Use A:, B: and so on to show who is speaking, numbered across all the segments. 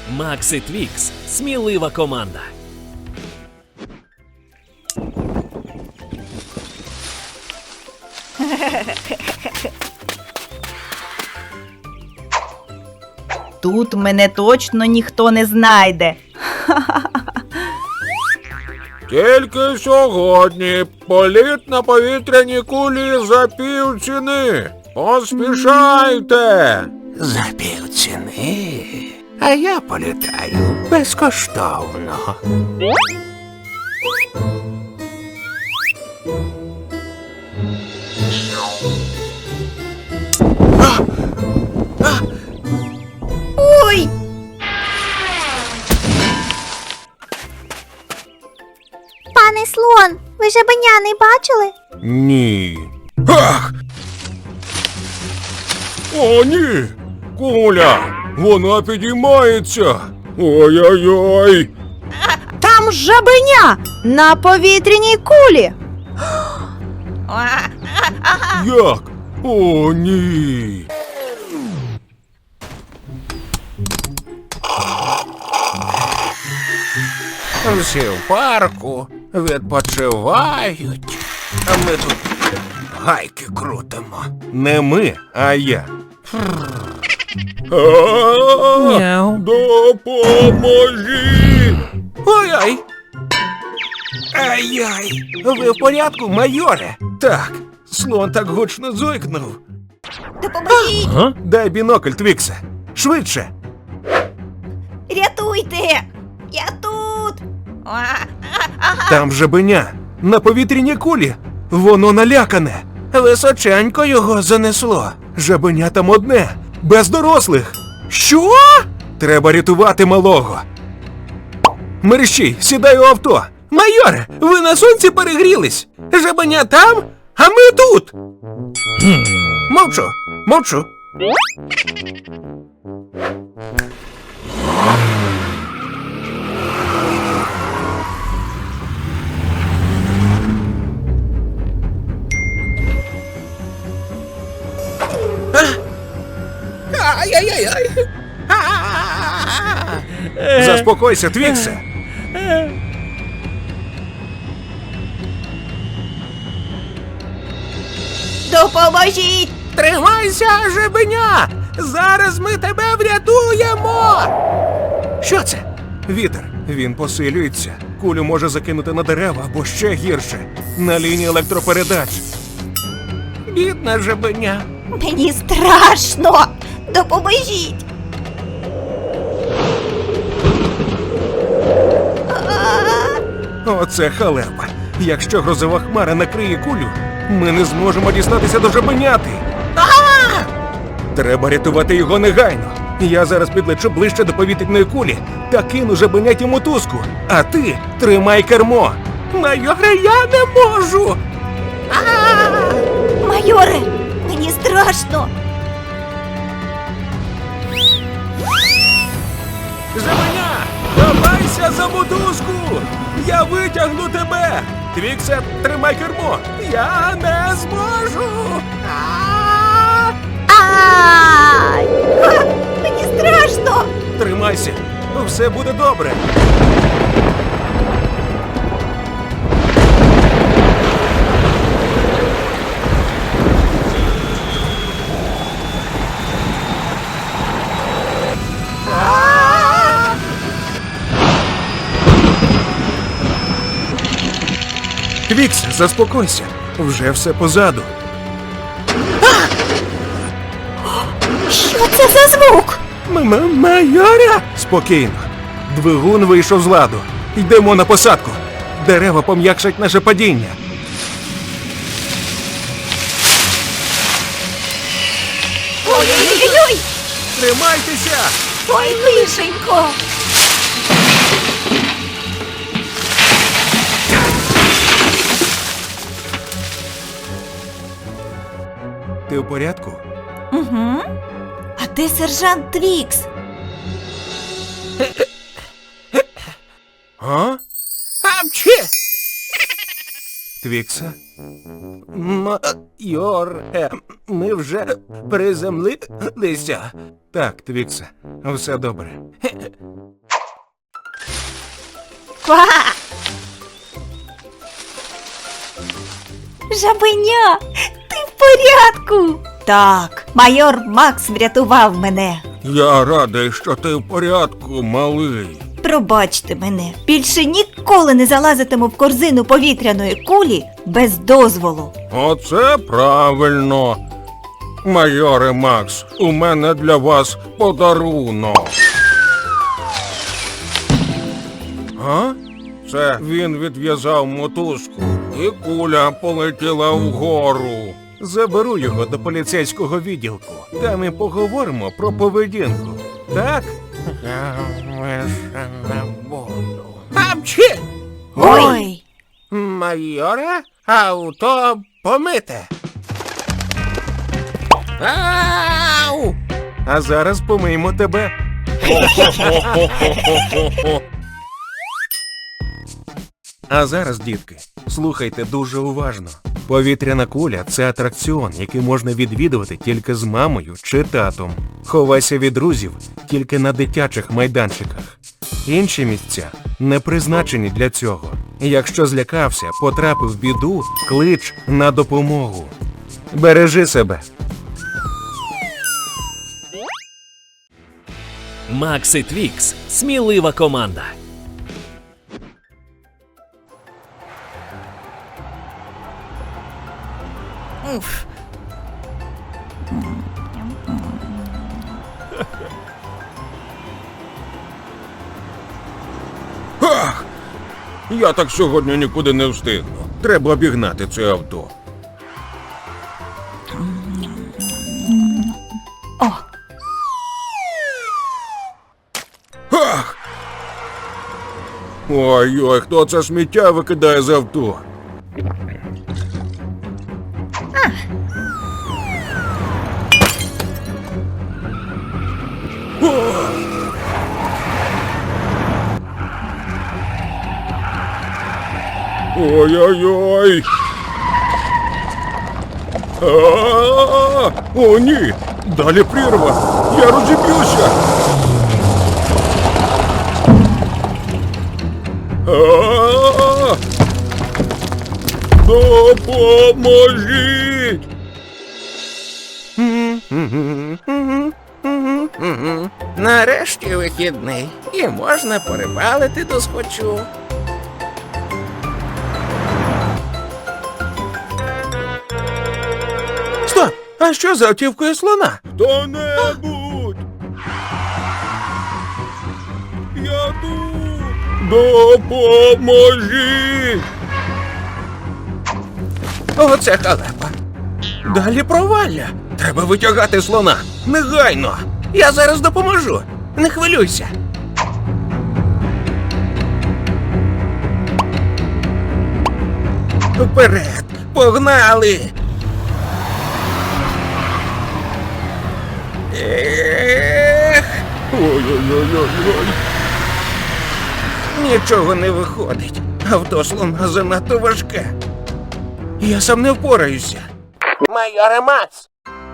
A: Макс і Твікс – смілива команда.
B: Тут мене точно ніхто не знайде.
C: Тільки сьогодні політ на повітряній кулі за півціни. Поспішайте!
D: За півціни? А я політаю безкоштовно.
B: Ой!
E: Пане слон, ви жабеня не бачили?
C: Ні. Ах! О, ні! Куля! Вона підіймається! Ой-ой-ой!
B: Там жабеня на повітряній кулі.
C: Як? О, ні!
D: Всі в парку відпочивають, а ми тут гайки крутимо.
C: Не ми, а я.
D: Мяу.
C: Допоможіть!
D: Ой-ой! Ай-яй! Ви в порядку, майоре?
C: Так, слон так гучно зойкнув.
B: Допоможіть!
C: Дай бінокль, Твіксе. Швидше.
B: Рятуйте! Я тут!
C: Там жабеня. На повітряній кулі. Воно налякане.
D: Височенько його занесло.
C: Жабеня там одне. Без дорослих.
D: Що?
C: Треба рятувати малого. Мерщій, сідай у авто.
D: Майоре, ви на сонці перегрілись. Жабеня там, а ми тут. Мовчу, мовчу. Ай-яй-яй-яй.
C: Заспокойся, Твіксе.
B: Допоможіть!
D: Тримайся, жабеня! Зараз ми тебе врятуємо!
C: Що це? Вітер. Він посилюється. Кулю може закинути на дерева або ще гірше. На лінії електропередач.
D: Бідна жабеня.
B: Мені страшно! Допоможіть!
C: Оце халепа. Якщо грозова хмара накриє кулю, ми не зможемо дістатися до жабеняти. Треба рятувати його негайно. Я зараз підлечу ближче до повітряної кулі та кину жабеняті мотузку. А ти тримай кермо.
D: Майоре, я не можу!
B: Майоре, мені страшно!
C: Жабеня, давайся за мотузку! Я витягну тебе! Твіксе, тримай кермо! Я не зможу!
B: Ай! Мені страшно!
C: Тримайся! Все буде добре! Твікс, заспокойся. Вже все позаду.
B: Що це за звук?
C: Майора! Спокійно. Двигун вийшов з ладу. Йдемо на посадку. Дерева пом'якшать наше падіння.
B: Ой-ой-ой!
C: Тримайтеся!
B: Ой, лишенько!
C: Ти в порядку?
B: Угу. А де сержант Твікс?
C: А?
D: Апчі!
C: Твікса?
D: Майоре, ми вже приземлилися.
C: Так, Твікса, все добре.
E: Ква! Жабеня, ти в порядку? Так, майор Макс врятував мене.
C: Я радий, що ти в порядку, малий.
E: Пробачте мене, більше ніколи не залазитиму в корзину повітряної кулі без дозволу.
C: Оце правильно. Майоре Макс, у мене для вас подарунок. А? Це він відв'язав мотузку, і куля полетіла вгору. Заберу його до поліцейського відділку. Там і поговоримо про поведінку. Так? Я лише не буду.
D: Апчі!
E: Ой!
D: Майоре, авто помите. Ау!
C: А зараз помиємо тебе. А зараз, дітки, слухайте дуже уважно. Повітряна куля – це атракціон, який можна відвідувати тільки з мамою чи татом. Ховайся від друзів тільки на дитячих майданчиках. Інші місця не призначені для цього. Якщо злякався, потрапив в біду, клич на допомогу. Бережи себе.
A: Макс і Твікс – смілива команда.
C: Ах! Я так сьогодні нікуди не встигну. Треба обігнати це авто.
E: О!
C: Ах! Ой-ой, хто це сміття викидає з авто? Ой-ой-ой! А-а-а! О, ні! Далі прірва! Я розіб'юся! А-а-а! Допоможіть!
D: Нарешті вихідний. І можна порибалити досхочу. Стоп! А що за автівкою слона?
C: Хто-небудь! Я тут! Допоможіть!
D: Оце халепа. Далі провалля. Треба витягати слона. Негайно. Я зараз допоможу. Не хвилюйся. Вперед! Погнали! Ех!
C: Ой-ой-ой-ой-ой!
D: Нічого не виходить. Авто слона занадто важке. Я сам не впораюся. Майоре Макс!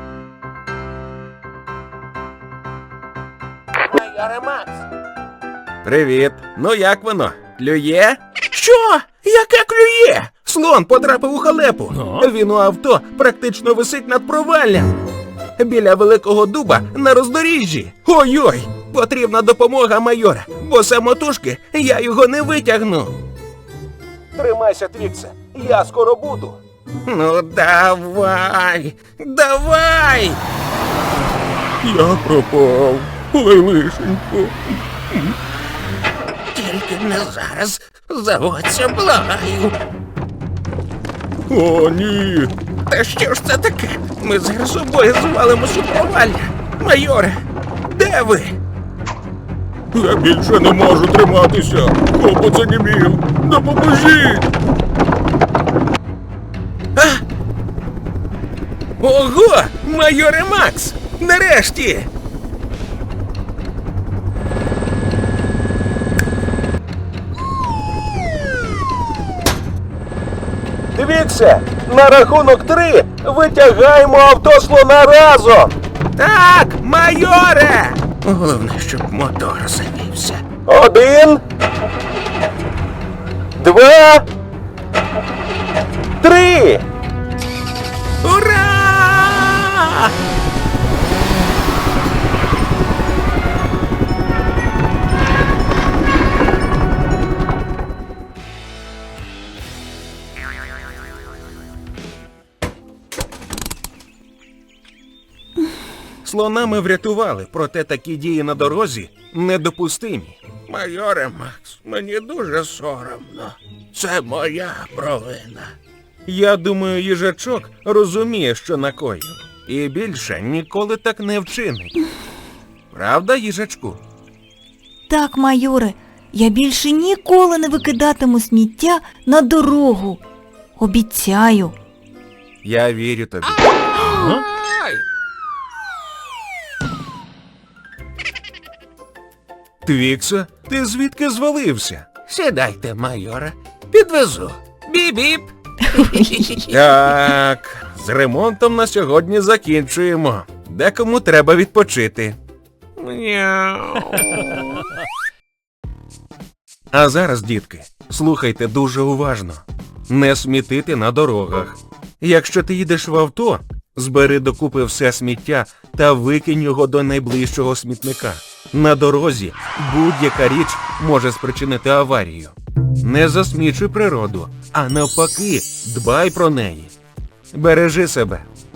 D: Майоре Макс!
C: Привіт! Ну як воно? Клює?
D: Що? Яке клює? Слон потрапив у халепу. Він у авто практично висить над проваллям. Біля великого дуба на роздоріжжі. Ой-ой! Потрібна допомога майора, бо самотужки я його не витягну.
C: Тримайся, Твіксе, я скоро буду.
D: Ну давай! Давай!
C: Я пропав. Ой, лишенько.
D: Тільки не зараз. Заводься, благаю.
C: О, ні.
D: Та що ж це таке? Ми зараз обоє звалимось у провалля. Майоре, де ви?
C: Я більше не можу триматися. Хлопець занімів. Допоможіть.
D: Ого! Майоре Макс! Нарешті!
C: Твіксе, на рахунок 3 витягаємо авто слона разом.
D: Так, майоре! Головне, щоб мотор завівся.
C: 1, 2, 3.
D: Ура!
C: Слона ми врятували, проте такі дії на дорозі недопустимі.
D: Майоре Макс, мені дуже соромно. Це моя провина.
C: Я думаю, їжачок розуміє, що накоїв. І більше ніколи так не вчинить. Правда, їжачку?
E: Так, майоре, я більше ніколи не викидатиму сміття на дорогу. Обіцяю.
C: Я вірю тобі.
D: Ай!
C: Твіксе, ти звідки звалився?
D: Сідайте, майоре. Підвезу. Біп-біп.
C: Так, з ремонтом на сьогодні закінчуємо. Декому треба відпочити.
D: Мяу.
C: А зараз, дітки, слухайте дуже уважно. Не смітити на дорогах. Якщо ти їдеш в авто, збери докупи все сміття та викинь його до найближчого смітника. На дорозі будь-яка річ може спричинити аварію. Не засмічуй природу, а навпаки, дбай про неї. Бережи себе.